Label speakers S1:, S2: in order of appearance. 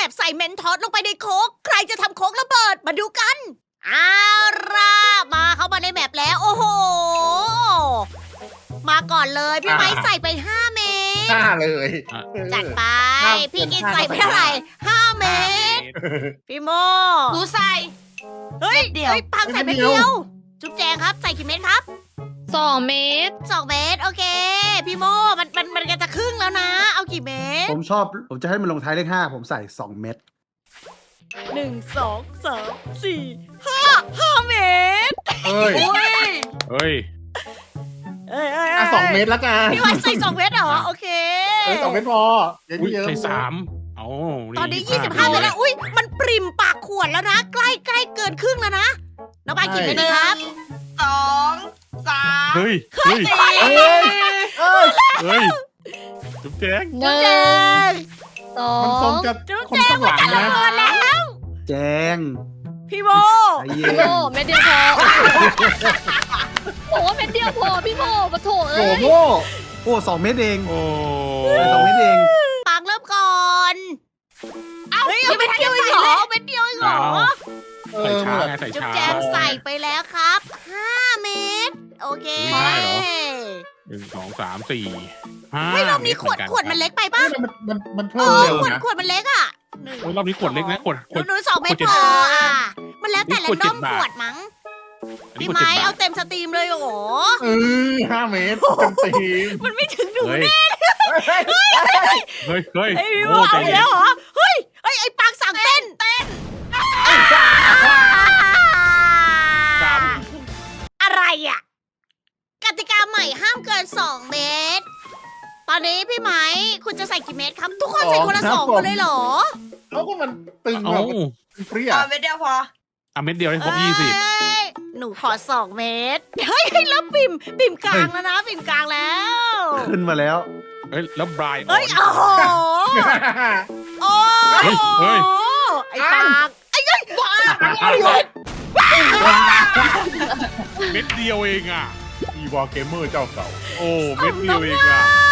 S1: แบบใส่เมนทอสลงไปในโค้กใครจะทำโค้กระเบิดมาดูกันเอาล่ะมาเข้ามาในแมปแล้วโอ้โหมาก่อนเลยพี่ไม้ใส่ไป5 เมตร
S2: ห้าเลย
S1: จัดไป
S2: ห้า
S1: พี่กิน
S2: ห้า
S1: ใส่ไปเท่าไหร่5 เมตร พี่โม
S3: หนูใส่
S1: เฮ้ย
S3: เม็ดเดียว
S1: เฮ้ยปังใส่เม็ดเดียว จุ๊บแจงครับ ใส่กี่เม็ดครับ
S4: 2 เมตร
S1: 2 เม็ดโอเค พี่โมมันก็จะครึ่งแล้วนะ เอากี่เม็ด
S5: ผมจะให้มันลงท้ายเลข5ผมใส่2 เม็ด
S1: 1 2 3 4 5 เม็ด
S2: เอ้ย
S3: อุ้ย
S6: เฮ้ย
S1: เอ้ย
S2: อ่ะ2 เมตรแล้วกัน
S1: พี่วันใส่2 เม็ดเหรอ โอเค
S2: 2 เมตรพอเดี๋ยว
S6: อุ้ย
S2: เยอะ
S6: ใส่3เอา
S1: ตอนนี้25 เม็ดแล้ว อุ้ยมันปริ่มปากขวดแล้วนะ ใกล้เกินครึ่งแล้วนะ น้องปายกี่เม็ดดีครับ
S3: 2 3
S6: เฮ้ย เฮ้ย
S3: 4
S2: เอ้ยเอ้ย
S6: เฮ้ย จุ๊บแจ๊ก
S1: จุ๊บแจง
S2: มันคงจะ
S1: จุ๊บ
S2: คน
S1: แจง
S2: ข้างห
S1: มัน
S2: ลัง
S1: จะระ
S2: นะ
S1: เบิดแล้ว
S5: แจง
S1: พี่โม
S5: ใจเย็
S4: พี่
S5: น
S4: โมเม็ดเดียวพอโอ้เม็ดเดียวพอพี่โมปะโถ
S2: โอ้
S4: เอ้ย
S2: โห
S5: โอ้2 เม็ดเอง
S6: โอ้
S5: ใส่2 เม็ดเอง
S1: ปังเริ่มก่อนเฮ้ยเอาเม็ดเดียวเองเหรอเม็ดเดียวเองเหรอ
S2: เอ
S6: ใส่
S2: อ
S6: ช้า
S2: เหมือน
S6: ไงใส่
S1: จุ๊บ
S6: ช้า
S1: แจงใส่ไปแล้วครับ 5 เม็ดโอเค
S6: ไม่ได้เหรอ 1 2 3 4 5
S1: เฮ้ยรอบนี้ขวดมันเล็กไปป่ะ
S2: เฮ้ยมัน
S1: เอ
S2: เพิ่ม
S1: อ
S2: เร็ว
S1: ขวด
S2: นะ
S1: ขวดมันเล็กอ่ะ
S6: โอ้ยรอบนี้ขวดเล็กนะขวด
S1: หนู2 เม็ด
S6: ขวด
S1: พออ่ะมันแล้วแต่
S6: นี่
S1: แร
S6: ขวด
S1: นดอม
S6: 7 บาท
S1: ขวดมั้ง
S6: อันนี้
S1: พี่
S6: ขวด
S1: ไม้
S6: 7 บา
S1: เอา
S6: ท
S1: เต็มสตรีมเลยโอ้โห
S2: 5 เมตรเต็มตีม
S1: มันไม่ถึงหนู
S6: เฮ้ย
S1: แน่
S6: เฮ้ย เฮ้ย
S1: ไอ้พี่โม
S6: โอ้
S1: เอา
S6: ใจ
S1: อีก
S6: เย็
S1: แล้
S6: น
S1: วเหรอเฮ้ยไอ้ปังสั่งเต้น
S6: ครับ
S1: อะไรอ่ะกติกาใหม่ห้ามเกิน 2 เมตร ตอนนี้พี่ไหมคุณจะใส่กี่เม็ดครับ ทุกคนใส่คนละ2คนเลยเหรอ
S2: เขาก็มันตึง
S6: เอ้า
S2: แบบมันเปรี้ย
S3: เอาเม็ดเดียวพอ
S6: เม็ดเดียวให้ครบ
S1: เอ้ยหนูขอ 2 เมตร เฮ้ยแล้วปิ่มกลางแล้วนะ ปิ่มกลางแล้ว
S5: ขึ้นมาแล้ว
S6: 20 เฮ้ย แล้วบรายออ
S1: เฮ้ย
S6: น
S1: โอ้โห โอ้
S6: เฮ้ยเฮ้ย
S1: ไอ้ปากไอ้ยัยบ้า
S6: เม็ดเดียวเองอ่ะ
S2: อีวอลเกมเมอร์เจ้าเก่า
S6: โอ้ เม็ดเดียวเองอ่ะ
S1: ไ